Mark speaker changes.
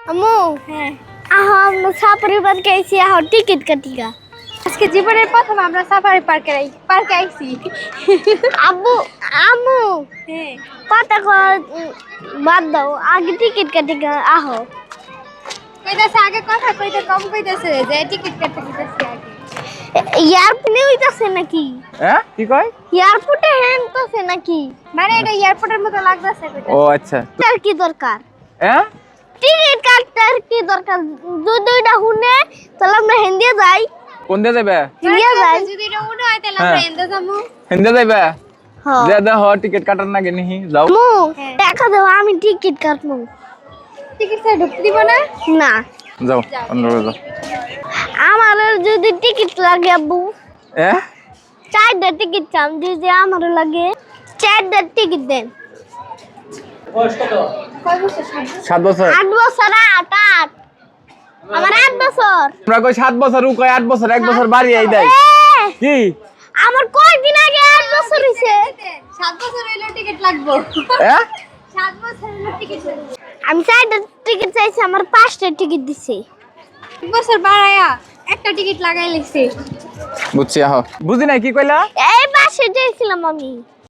Speaker 1: আম্মু
Speaker 2: হ্যাঁ
Speaker 1: আমরা সাফারি পার্কে আইছি টিকিট কাটিগা
Speaker 2: আজকে জীবনের প্রথম আমরা সাফারি পার্কে আইছি
Speaker 1: আব্বু আম্মু
Speaker 2: হ্যাঁ
Speaker 1: কথা বাদ দাও আগে টিকিট কাটিগা আহো
Speaker 2: কইতাছে আগে কথা কইতে কম কইতাছে যে টিকিট কাটতে দিতেছি আগে
Speaker 1: এয়ারপ্লেনে হইতাছে নাকি
Speaker 3: হ্যাঁ কি কয়
Speaker 1: এয়ারপোর্টে হ্যাংতাছে নাকি
Speaker 2: মানে এটা এয়ারপোর্টের মতো লাগতাছে
Speaker 3: ও আচ্ছা
Speaker 1: তার কি দরকার
Speaker 3: হ্যাঁ
Speaker 1: টিকিট কাটার কি দরকার দুইটা হুনে তাহলে আমরা হিন্দি যাই
Speaker 3: কোন দিয়ে যাবে
Speaker 1: হিন্দি যাই
Speaker 2: যদি এটা উড়ে হয় তাহলে আমরা
Speaker 3: হ্যাঁ।
Speaker 2: এন্ডে যাবো
Speaker 3: হিন্দে যাবে
Speaker 1: হ্যাঁ
Speaker 3: দে দে হ টিকিট কাটার না গেনি যাও
Speaker 1: আম্মু
Speaker 2: হ্যাঁ।
Speaker 1: টাকা দাও আমি টিকিট কাটবো
Speaker 2: টিকিট ছাড়া ঢুকতে দিব না
Speaker 1: না
Speaker 3: যাও অন্যভাবে যাও
Speaker 1: আমার যদি টিকিট লাগে আব্বু
Speaker 3: হ্যাঁ
Speaker 1: 4টা টিকিট চাম যদি আমার লাগে 4টা টিকিট দেন
Speaker 2: কয় বছর
Speaker 3: 7 বছর
Speaker 1: 8 বছর 8 আমার 8 বছর
Speaker 3: তোমরা কই 7 বছর ও কই 8 বছর 1 বছর বাড়ি আই দেয়
Speaker 1: এ,
Speaker 3: কি
Speaker 1: আমার কয়দিন আগে 8 বছর হইছে
Speaker 2: 7 বছর হইলো টিকিট লাগবে
Speaker 3: হ্যাঁ
Speaker 2: 7 বছর হইলো টিকিট লাগবে
Speaker 1: আমি 4টা টিকিট চাইছি আমার 5টা টিকিট দিছে
Speaker 2: 1 বছর বাড়ায়া একটা টিকিট লাগাই লিখছি
Speaker 3: বুঝছি আহ বুঝি নাই কি কইলা
Speaker 1: এই পাশে যাইছিলাম আমি